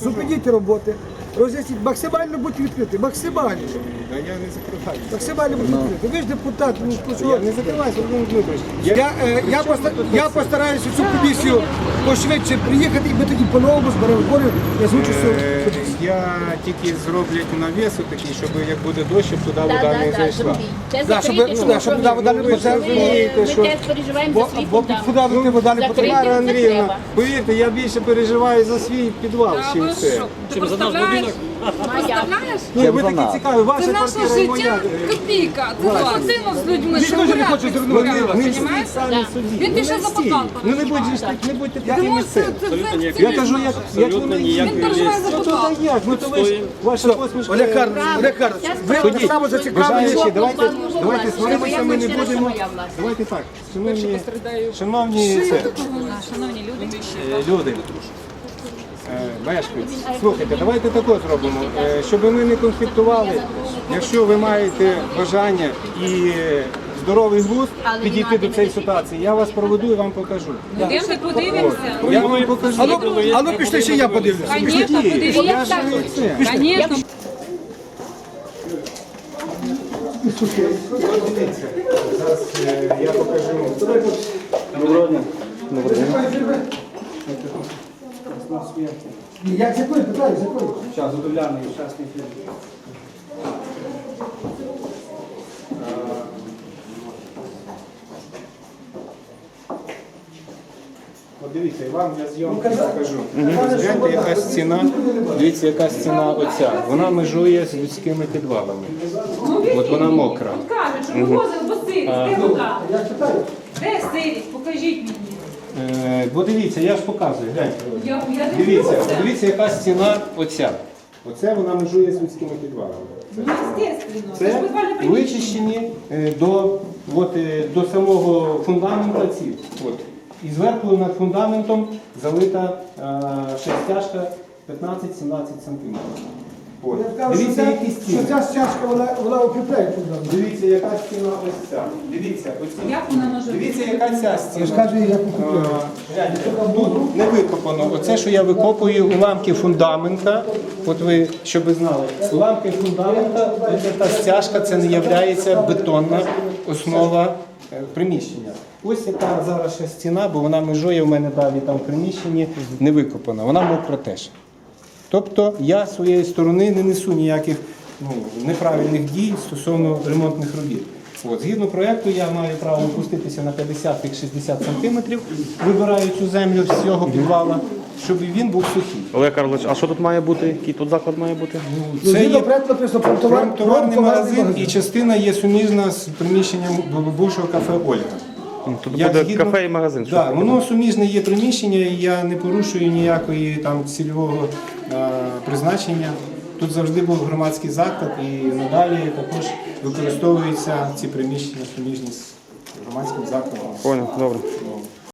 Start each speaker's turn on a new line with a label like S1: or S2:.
S1: зупиніть роботи, роз'ясніть, максимально будьте відкриті, максимально.
S2: Да я не закриваю.
S1: Максимально будьте відкриті. Ви ж депутат, ну що?
S2: Я не закриваюся, Володимир Дмитрович.
S1: Я постараюся цю комісію пошвидше приїхати, і ми тоді по-новому зберемо зборів, я звучу цю комісію.
S2: Я тільки зроблять навісу такий, щоб як буде дощ, щоб туди вода не зайшла.
S1: Да, щоб туди вода не потекла.
S2: розумієте, що-
S3: Ми теж переживаємо за свій
S1: Бо під
S3: фундамент.
S1: фундамент вода не потрапляє.
S2: Тамара
S3: не
S2: Андріївна,
S3: треба.
S2: повірте, я більше переживаю за свій підвал, чим це.
S4: Ти представляєш? Представляєш?
S2: Ні, ви такі цікаві, ваша
S4: Це наше
S2: квартира і моя.
S4: життя копійка. Це спортивно з людьми,
S1: Ніхто
S4: що
S1: ж не
S4: гуляти
S1: хоче
S4: з
S1: звернути
S4: людьми,
S1: увагу.
S2: Не
S4: понімаєш?
S2: всі самі собі.
S4: Він пише за потолку.
S2: Ну не будьте
S4: Ти
S2: такими
S4: можеш
S2: це.
S4: це
S2: Я кажу, як воно є.
S4: Він переживає за
S2: Ну
S4: потолку.
S2: то як, ну то ви ж, ваша посмішка.
S1: Олег Карлович, ви так само зацікавлені.
S2: Бажаючи, давайте
S3: Моя
S2: сваримося, ми не
S3: квартира,
S2: будемо.
S3: моя власність.
S2: Давайте так, шановні люди, мешканці, слухайте, давайте таке зробимо, щоб ми не конфліктували. Якщо ви маєте бажання і здоровий глузд підійти до цієї ситуації, я вас проведу і вам покажу.
S4: Йдемо подивимося.
S2: Я вам покажу.
S1: А ну пішли, ще я подивлюся.
S4: Звісно,
S2: Я
S4: подивіться.
S2: ж це.
S4: Звісно.
S2: Дивіться, зараз я покажу.
S1: Як з якої питаю, з якої?
S2: Зараз удовляний щасний фільм. Подивіться, і вам для зйомки покажу. Гляньте, яка стіна, дивіться, яка стіна оця. Вона межує з людськими підвалами. От вона мокра.
S4: Кажуть, що вивозили, бо сирість. Де вода? Де сирість? Покажіть мені.
S2: Бо дивіться, я ж показую, гляньте.
S4: Я
S2: Дивіться, подивіться, яка стіна оця. Оце вона межує з людськими підвалами.
S4: Естественно.
S2: Це вичищені до самого фундамента ці. От. І зверху над фундаментом залита шестяшка 15-17 см. Дивіться, які
S1: Що
S2: стіни.
S1: ця стяжка, вона укріпляє фундамент.
S2: Дивіться, яка стіна ось ця. Дивіться, оці.
S4: Як вона може
S2: Дивіться, яка ця
S1: Я ж
S2: стіна.
S1: кажу, як укріпляє.
S2: Тут не викопано. Оце, що я викопую, уламки фундамента. От ви, щоб ви знали, уламки фундамента, та стяжка, це не є бетонна основа приміщення. Ось яка зараз ще стіна, бо вона межує в мене далі там в приміщенні, не викопана. Вона мокра теж. Тобто я з своєї сторони не несу ніяких неправильних дій стосовно ремонтних робіт. От, згідно проєкту я маю право опуститися на 50-60 см, вибираю цю землю з цього підвала, щоб він був сухий.
S5: Олег Карлович, а що тут має бути? Який тут заклад має бути?
S2: Це
S1: Згідно
S2: є
S1: проекту написано
S2: промтоварний магазин і частина є суміжна з приміщенням бувшого кафе «Ольга».
S5: Тут
S2: Я
S5: буде
S2: згідно-
S5: кафе і магазин. що
S2: Так,
S5: таке?
S2: воно суміжне є приміщення, і я не порушую ніякої там цільового призначення. Тут завжди був громадський заклад і надалі також використовуються ці приміщення суміжні з громадським закладом.
S5: Понял, добре.